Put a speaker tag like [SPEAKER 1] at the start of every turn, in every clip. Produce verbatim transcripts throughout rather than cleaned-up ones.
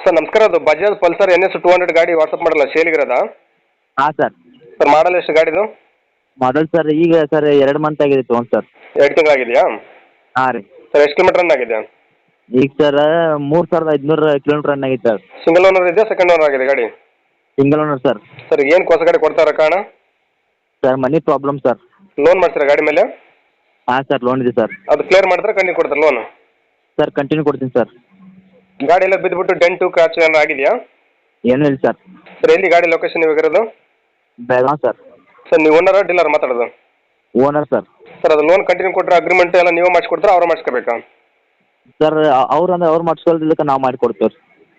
[SPEAKER 1] Sir ನಮಸ್ಕಾರ, ಅದು Bajaj Pulsar N S two hundred ಗಾಡಿ ವಾಟ್ಸಪ್ ಮಾಡಲ್ಲ ಸೇಲಿಗಿರೋದಾ?
[SPEAKER 2] ಹಾಂ ಸರ್.
[SPEAKER 1] ಸರ್ ಮಾಡಲ್ ಎಷ್ಟು ಗಾಡಿದು?
[SPEAKER 2] ಮಾಡಲ್ ಸರ್ ಈಗ ಸರ್ ಎರಡು ಮಂತ್ ಆಗಿದೆ ತೊಗೊಂಡು ಸರ್.
[SPEAKER 1] ಎರಡು ತಿಂಗಳಾಗಿದೆಯಾ?
[SPEAKER 2] ಹಾಂ ರೀ.
[SPEAKER 1] ಸರ್ ಎಷ್ಟು ಕಿಲೋಮೀಟರ್ ರನ್ ಆಗಿದೆ?
[SPEAKER 2] ಈಗ ಸರ್ ಮೂರು ಸಾವಿರದ ಐದುನೂರು ಕಿಲೋಮೀಟ್ರ್ ರನ್ ಆಗೈತೆ ಸರ್.
[SPEAKER 1] ಸಿಂಗಲ್ ಓನರ್ ಇದೆಯಾ ಸೆಕೆಂಡ್ ಓನರ್ ಆಗಿದೆ ಗಾಡಿ?
[SPEAKER 2] Single owner sir.
[SPEAKER 1] ಸರ್ ಏನು ಹೊಸ ಗಾಡಿ ಕೊಡ್ತಾರ ಕಾರಣ?
[SPEAKER 2] Sir money problem sir.
[SPEAKER 1] Loan ಮಾಡ್ತೀರಾ ಗಾಡಿ ಮೇಲೆ?
[SPEAKER 2] ಹಾಂ ಸರ್ ಲೋನ್ ಇದೆ ಸರ್.
[SPEAKER 1] ಅದು ಕ್ಲಿಯರ್ ಮಾಡಿದ್ರೆ ಕಂಟಿನ್ಯೂ ಕೊಡ್ತಾರೆ ಲೋನು?
[SPEAKER 2] ಸರ್ ಕಂಟಿನ್ಯೂ ಕೊಡ್ತೀನಿ ಸರ್.
[SPEAKER 1] ಗಾಡಿ ಎಲ್ಲ ಬಿದ್ದುಬಿಟ್ಟು ಡೆಂಟು ಕ್ರಾಚ್ ಏನಾರು ಆಗಿದೆಯಾ?
[SPEAKER 2] ಏನೂ ಇಲ್ಲ ಸರ್.
[SPEAKER 1] ಸರ್ ಎಲ್ಲಿ ಗಾಡಿ ಲೊಕೇಶನ್ ಇವಾಗಿರೋದು?
[SPEAKER 2] ಬೆಳಗಾವ್ ಸರ್.
[SPEAKER 1] ಸರ್ ನೀವು ಓನರ್ ಡೀಲರ್ ಮಾತಾಡೋದು?
[SPEAKER 2] Owner sir.
[SPEAKER 1] ಸರ್ ಅದು ಲೋನ್ ಕಂಟಿನ್ಯೂ ಕೊಟ್ಟರೆ ಅಗ್ರಿಮೆಂಟ್ ಎಲ್ಲ ನೀವು ಮಾಡಿಸ್ಕೊಡ್ತಾರೆ ಅವ್ರು ಮಾಡಿಸ್ಕೋಬೇಕಾ?
[SPEAKER 2] ಸರ್ ಅವ್ರು ಅಂದ್ರೆ ಅವ್ರು ಮಾಡಿಸ್ಕೊಳ್ದಿದ್ದಕ್ಕೆ ನಾವು ಮಾಡಿಕೊಡ್ತೀವಿ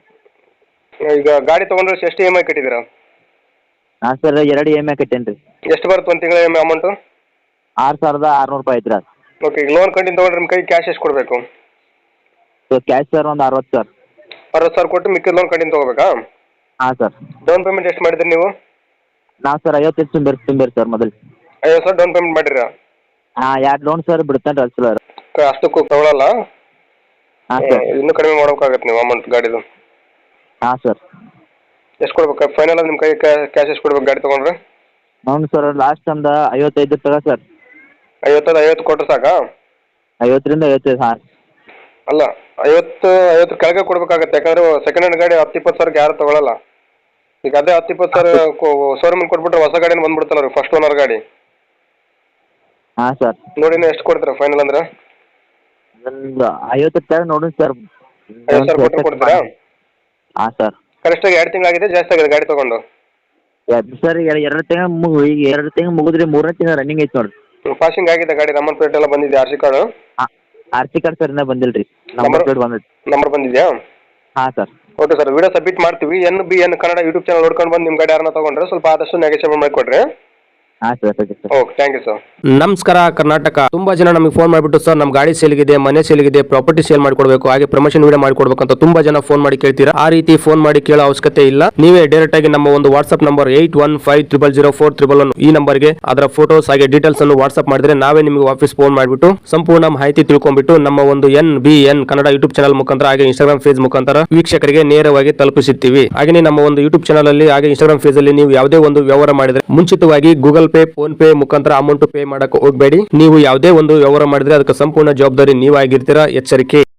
[SPEAKER 2] ರೀ.
[SPEAKER 1] ಈಗ ಗಾಡಿ ತೊಗೊಂಡ್ರೆ ಎಷ್ಟು ಇ ಎಮ್ ಐ ಕಟ್ಟಿದ್ದೀರಾ?
[SPEAKER 2] ಹಾಂ ಸರ್ ಎರಡು ಇ ಎಮ್ ಐ ಕಟ್ಟೇನಿ ರೀ.
[SPEAKER 1] ಎಷ್ಟು ಬರುತ್ತೆ ಒಂದು ತಿಂಗಳ ಇ ಎಮ್ ಐ ಅಮೌಂಟು?
[SPEAKER 2] ಆರು ಸಾವಿರದ ಆರುನೂರು ರೂಪಾಯಿ ಐತೆ ರೀ ಅದು.
[SPEAKER 1] ಓಕೆ, ಈಗ ಲೋನ್ ಕಂಟಿನ್ಯೂ ತೊಗೊಂಡ್ರೆ ನಿಮ್ಮ ಕೈ ಕ್ಯಾಶ್ ಎಷ್ಟು ಕೊಡಬೇಕು?
[SPEAKER 2] ಸೊ ಕ್ಯಾಶ್ ಸರ್ ಒಂದು ಅರವತ್ತು ಸರ್.
[SPEAKER 1] ಅರವತ್ತು ಸಾವಿರ ಕೊಟ್ಟು ಮಿಕ್ಕಿದ ಲೋನ್ ಕಂಟಿನ್ಯೂ ತೊಗೋಬೇಕಾ?
[SPEAKER 2] ಹಾಂ ಸರ್.
[SPEAKER 1] ಡೌನ್ ಪೇಮೆಂಟ್ ಎಷ್ಟು ಮಾಡಿದ್ರಿ ನೀವು?
[SPEAKER 2] ನಾವು ಸರ್ ಐವತ್ತೈದು ತುಂಬಿರಿ ತುಂಬಿರಿ ಸರ್ ಮೊದಲು.
[SPEAKER 1] ಐವತ್ತು ಸಾವಿರ ಡೌನ್ ಪೇಮೆಂಟ್ ಮಾಡಿರಾ?
[SPEAKER 2] ಹಾಂ ಎರಡು ಲೋನ್ ಸರ್ ಬಿಡ್ತಾನೆ ರೀ ಸರ್.
[SPEAKER 1] ಅಷ್ಟಕ್ಕೂ ತಗೊಳ್ಳಲ್ಲ?
[SPEAKER 2] ಹಾಂ ಸರ್.
[SPEAKER 1] ಇನ್ನೂ ಕಡಿಮೆ ಮಾಡ್ಬೇಕಾಗತ್ತೆ ನೀವು ಅಮೌಂಟ್ ಗಾಡಿದು.
[SPEAKER 2] ಹಾಂ ಸರ್.
[SPEAKER 1] ಎಷ್ಟು ಕೊಡ್ಬೇಕು ಫೈನಲ್ ನಿಮ್ಮ ಕೈ ಕ್ಯಾಶ್ ಎಷ್ಟು ಕೊಡ್ಬೇಕು ಗಾಡಿ ತೊಗೊಂಡ್ರೆ?
[SPEAKER 2] అవును ಸರ್ ಲಾಸ್ಟ್ ಒಂದು ಐವತ್ತೈದು ತಗ ಸರ್.
[SPEAKER 1] ಐವತ್ತೈದು ಐವತ್ತು ಕೊಟ್ಟರೆ ಸಾಕಾ?
[SPEAKER 2] ಐವತ್ತರಿಂದ ಐವತ್ತೈದು ಹಾಂ.
[SPEAKER 1] ಅಲ್ಲ ಐವತ್ತು ಐವತ್ತು ಕೆಳಗೆ ಕೊಡಬೇಕಾಗತ್ತೆ, ಯಾಕಂದರೆ ಸೆಕೆಂಡ್ ಹ್ಯಾಂಡ್ ಗಾಡಿ ಹತ್ತು ಇಪ್ಪತ್ತು ಸಾವಿರಕ್ಕೆ ಯಾರು ತೊಗೊಳಲ್ಲ. ಈಗ ಅದೇ ಹತ್ತು ಇಪ್ಪತ್ತು ಸಾವಿರ ಶೋರೂಮಿಗೆ ಕೊಟ್ಬಿಟ್ರೆ ಹೊಸ ಗಾಡಿನ ಬಂದ್ಬಿಡ್ತಲ್ಲ ರೀ, ಫಸ್ಟ್ ಓನರ್ ಗಾಡಿ.
[SPEAKER 2] ಹಾಂ ಸರ್.
[SPEAKER 1] ನೋಡಿ ನೀವು ಎಷ್ಟು ಕೊಡ್ತೀರಾ ಫೈನಲ್ ಅಂದ್ರೆ?
[SPEAKER 2] ಒಂದು ಐವತ್ತು ತಗ ನೋಡಿ ಸರ್.
[SPEAKER 1] ಐವತ್ತು ಸಾವಿರ ಕೊಟ್ಟರೆ ಕೊಡ್ತೀರಾ?
[SPEAKER 2] ಹಾಂ ಸರ್.
[SPEAKER 1] ಕರೆಕ್ಟಾಗಿ ಎರಡು ತಿಂಗಳಾಗಿದೆ, ಜಾಸ್ತಿ ಆಗಿದೆ ಗಾಡಿ ತೊಗೊಂಡು?
[SPEAKER 2] ಸರ್ ಎರಡು ತಿಂಗಳು ಮುಗು ಈಗ ಎರಡು ತಿಂಗಳು ಮುಗಿದ್ರಿ ಮೂರನೇ ತಿಂಗಳು ರನ್ನಿಂಗ್ ಐತೆ ನೋಡಿರಿ.
[SPEAKER 1] ಪಾಸಿಂಗ್ ಆಗಿದೆ ಗಾಡಿ, ನಂಬರ್ ಪ್ಲೇಟ್ ಎಲ್ಲ ಬಂದಿದೆ, ಆರ್ ಸಿ ಕಾರ್ಡು?
[SPEAKER 2] ಹಾಂ ಆರ್ ಸಿ ಕಾರ್ಡ್ ಸರ್ ಇನ್ನೂ ಬಂದಿಲ್ಲ ರೀ. ನಂಬರ್ ಪ್ಲೇಟ್ ಬಂದೈತೆ.
[SPEAKER 1] ನಂಬರ್ ಬಂದಿದೆಯಾ?
[SPEAKER 2] ಹಾಂ sir.
[SPEAKER 1] Okay sir, video submit ಮಾಡ್ತೀವಿ. N B N Kannada YouTube channel ನೋಡ್ಕೊಂಡು ಬಂದು ನಿಮ್ಮ ಗಾಡಿ ಯಾರನ್ನ ತೊಗೊಂಡ್ರೆ ಸ್ವಲ್ಪ ಆದಷ್ಟು ನೆಗೆಷಿಯೇಟ್ ಮಾಡಿಕೊಡ್ರಿ.
[SPEAKER 2] ಹಾಂ sir okay sir.
[SPEAKER 1] Okay thank you sir.
[SPEAKER 3] ನಮಸ್ಕಾರ ಕರ್ನಾಟಕ. ತುಂಬಾ ಜನ ನಮಗೆ ಫೋನ್ ಮಾಡಿಬಿಟ್ಟು ಸರ್ ನಮ್ಮ ಗಾಡಿ ಸೇಲ್ಗಿದೆ, ಮನೆ ಸೇಲ್ಗಿದೆ, ಪ್ರಾಪರ್ಟಿ ಸೇಲ್ ಮಾಡ್ಕೊಡ್ಬೇಕು, ಹಾಗೆ ಪ್ರಮೋಷನ್ ವಿಡಿಯೋ ಮಾಡ್ಕೊಡ್ಬೇಕು ಅಂತ ತುಂಬಾ ಜನ ಫೋನ್ ಮಾಡಿ ಕೇಳ್ತೀರಾ. ಆ ರೀತಿ ಫೋನ್ ಮಾಡಿ ಕೇಳೋ ಅವಶ್ಯಕತೆ ಇಲ್ಲ. ನೀವೇ ಡೈರೆಕ್ಟ್ ಆಗಿ ನಮ್ಮ ಒಂದು WhatsApp number eight one five triple zero four triple one ಈ ನಂಬರ್ಗೆ ಅದರ ಫೋಟೋಸ್ ಹಾಗೆ ಡೀಟೇಲ್ಸ್ ಅನ್ನು ವಾಟ್ಸ್ಆಪ್ ಮಾಡಿದ್ರೆ ನಾವೇ ನಿಮಗೆ ವಾಪಸ್ ಫೋನ್ ಮಾಡಿಬಿಟ್ಟು ಸಂಪೂರ್ಣ ಮಾಹಿತಿ ತಿಳ್ಕೊಂಡ್ಬಿಟ್ಟು ನಮ್ಮ ಒಂದು N B N Kannada YouTube channel ಮುಖಾಂತರ ಹಾಗೆ ಇನ್ಸ್ಟಾಗ್ರಾಮ್ ಫೇಸ್ ಮುಖಾಂತರ ವೀಕ್ಷಕರಿಗೆ ನೇರವಾಗಿ ತಲುಪಿಸುತ್ತೀವಿ. ಹಾಗೆ ನಮ್ಮ ಒಂದು ಯೂಟ್ಯೂಬ್ ಚಾನಲ್ ಅಲ್ಲಿ ಹಾಗೆ ಇನ್ಸ್ಟಾಗ್ರಾಮ್ ಫೇಸ್ ಅಲ್ಲಿ ನೀವು ಯಾವುದೇ ಒಂದು ವ್ಯವಹಾರ ಮಾಡಿದ್ರೆ ಮುಂಚಿತವಾಗಿ ಗೂಗಲ್ ಪೇ, ಫೋನ್ ಪೇ ಮುಖಾಂತರ ಅಮೌಂಟ್ ಪೇ ಮಾಡಕ್ಕೆ ಹೋಗಬೇಡಿ. ನೀವು ಯಾವುದೇ ಒಂದು ವ್ಯವಹಾರ ಮಾಡಿದ್ರೆ ಅದಕ್ಕೆ ಸಂಪೂರ್ಣ ಜವಾಬ್ದಾರಿ ನೀವಾಗಿರ್ತೀರಾ. ಎಚ್ಚರಿಕೆ.